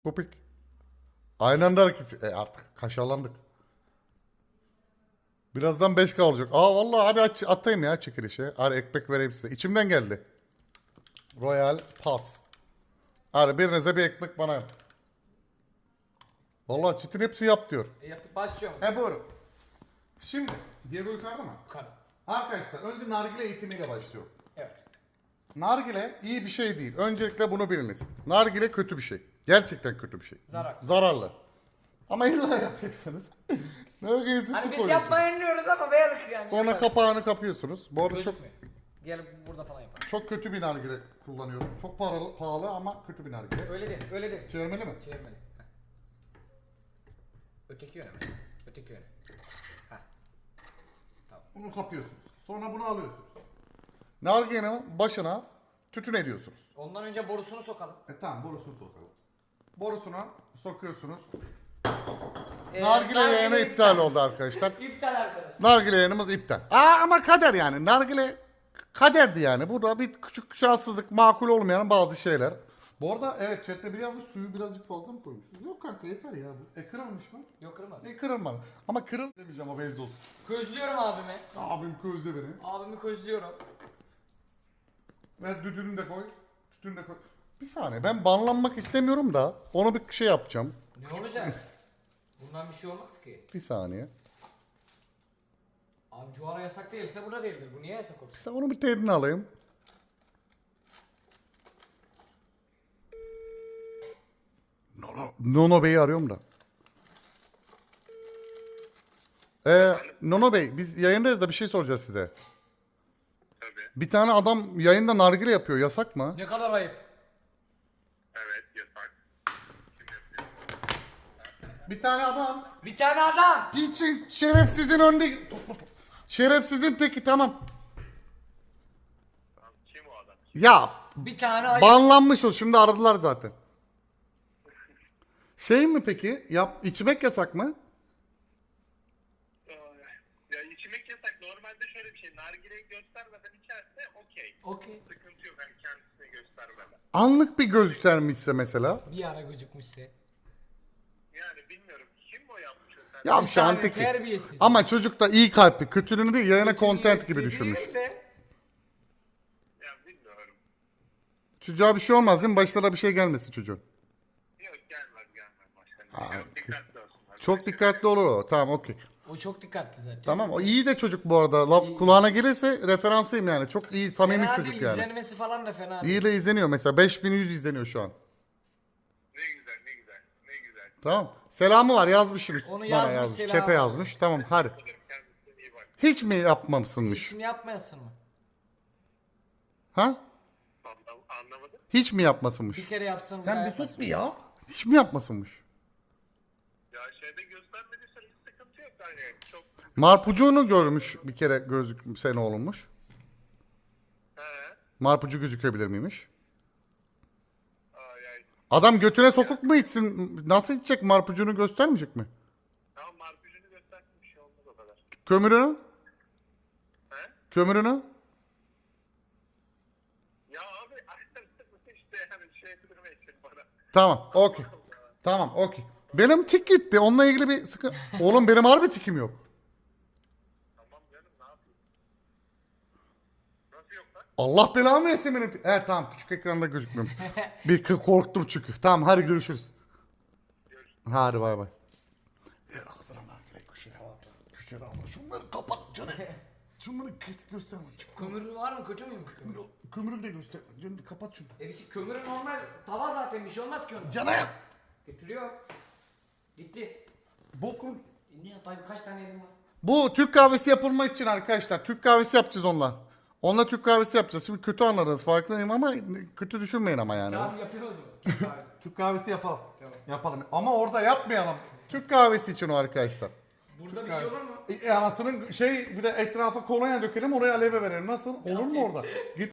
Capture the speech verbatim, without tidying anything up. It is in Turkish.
Kopik. Aynı anda hareket. E artık kaşarlandık. Birazdan beş K olacak. Aa vallahi hadi aç, atayım ya çekilişe. Hadi ekmek vereyim size. İçimden geldi. Royal Pass. Hadi birinize bir ekmek bana yap. Vallahi çitin hepsi yap diyor. E, yapıp başlıyorum. He buyurun. Şimdi Diego yukarıda mı? Yukarı. Arkadaşlar önce nargile eğitimiyle başlıyor. Evet. Nargile iyi bir şey değil. Öncelikle bunu biliniz. Nargile kötü bir şey. Gerçekten kötü bir şey. Zarar. Zararlı. Ama illa yapacaksınız. Nargileyi siz Hani su biz koyuyorsunuz. yapmayı önlüyoruz ama belki yani. Sonra kapağını kapıyorsunuz. Bu arada çok Gözükmüyor. Gel burada falan yapalım. çok kötü bir nargile kullanıyorum. Çok pahalı, pahalı ama kötü bir nargile. Öyle değil, öyle değil. Çevirmeli mi? Çevirmeli. Heh. Öteki yöne mi? Öteki yöne. Heh. Bunu kapıyorsunuz. Sonra bunu alıyorsunuz. Nargilenin başına tütün ediyorsunuz. Ondan önce borusunu sokalım. E tamam borusunu sokalım. Borusuna sokuyorsunuz. Ee, Nargile yayını iptal oldu arkadaşlar. İptal arkadaşlar. Nargile yayınımız iptal. Aa ama kader yani. Nargile kaderdi yani. Bu da bir küçük şanssızlık, makul olmayan bazı şeyler. Bu arada evet chatte bir yazmış suyu birazcık fazla mı koymuşsunuz? Yok kanka yeter ya bu. E kırılmış mı? Yok kırmadı. E kırılmadı. Ama kırıl demeyeceğim ama benzi olsun. Közlüyorum abimi. Abim közde beni. Abimi közlüyorum. Ver düdüğünü de koy. Tütünü de koy. Bir saniye ben banlanmak istemiyorum da onu bir şey yapacağım. Ne olacak? Bundan bir şey olmaz ki. Bir saniye. Abi Cuara yasak değilse bu da değildir. Bu niye yasak olur? Bir saniye onu bir teydini alayım. Nono, Nono Bey'i arıyorum da. Ee, Nono Bey biz yayındayız da bir şey soracağız size. Tabii. Bir tane adam yayında nargile yapıyor yasak mı? Ne kadar ayıp. Evet yasak. Kim yapıyor? Bir tane adam. Bir tane adam. Geçin şerefsizin önünde. Topla, topla. Şerefsizin teki tamam. Lan kim o adam? Ya Bir tane ayıp. banlanmış o şimdi aradılar zaten. Şey mi peki? Yap içmek yasak mı? Ay, Ya içmek yasak. Normalde şöyle bir şey. Nargileyi göstermeden içerse okey. Okey. Sıkıntı yok. Hani kendisine göstermeden. Anlık bir göstermişse mesela. Bir ara gözükmüşse. Yani bilmiyorum. Kim o yapmış o sen? Ya Bir şu tane an teki. terbiyesiz. Ama çocuk da iyi kalpli. Kötülüğünü değil yayına content gibi Değil düşünmüş. de. Ya bilmiyorum. Çocuğa bir şey olmaz değil mi? Başlara bir şey gelmesin çocuğun. Yok gelmez gelmez başkanım. Çok dikkatli olsunlar. Çok dikkatli olur o. Tamam okey. O çok dikkatli zaten. Tamam o iyi de çocuk bu arada. Laf kulağına gelirse referansıyım yani. Çok iyi samimi Fena çocuk değil, yani. izlenmesi falan da fena değil. İyi de izleniyor mesela. beş bin yüz izleniyor şu an. Ne güzel ne güzel. Ne güzel. Tamam. Selamı var yazmışım. Onu Bana yazmış, yazmış. selamı Çete var. yazmış. Tamam hadi. Kendisine iyi bak. Hiç mi yapmamışsınmış? İşini yapmayasın mı? Ha? Anlam- Anlamadım. Hiç mi yapmasınmış? Bir kere yapsın. Sen daha bir sus yapmasın. bir ya. Hiç mi yapmasınmış? Ya şeyde göstermediyse hiç sıkıntı yok. Hani çok... Marpucuğunu görmüş bir kere gözük sene olmuş. He. Marpucu gözükebilir miymiş? Ay ay. Adam götüne sokuk mu içsin? Nasıl içecek? Marpucuğunu göstermeyecek mi? Tamam marpucunu göstersin bir şey olmaz o kadar. Kömürünü? He? Kömürünü? Ya abi işte yani şey ettirme için bana. Tamam, okey. Tamam, okey. Benim tik gitti. Onunla ilgili bir sıkı... Oğlum benim harbi tikim yok. Tamam canım ne yapayım? Nasıl yok lan? Allah belamı versin benim tik- Evet tamam, küçük ekranda gözükmüyormuş. Bir kı- korktum çünkü. Tamam, hadi görüşürüz. Hadi bay bay. Ver ağzına nargile köşeye. Köşeye ağzına. Şunları kapat canım. Şunları kes gösterme. Kömürü var mı? Kötü müymüş kömür? Kömürü de göster. Canım kapat şunu. E işte kömürü normal. Tava zaten bir şey olmaz ki onun. Canım. Getiriyor. Gitti. Bokun. E ne yapayım? Kaç tane elim var? Bu Türk kahvesi yapılmak için arkadaşlar. Türk kahvesi yapacağız onunla. Onunla Türk kahvesi yapacağız. Şimdi kötü anladınız farkındayım ama kötü düşünmeyin ama yani. Tamam yapıyoruz mu? Türk kahvesi. Türk kahvesi yapalım. Tamam. Yapalım. Ama orada yapmayalım. Türk kahvesi için o arkadaşlar. Burada bir şey olur mu? E, anasının şey bir de etrafa kolonya dökelim oraya aleve verelim. Nasıl? Olur mu orada? Git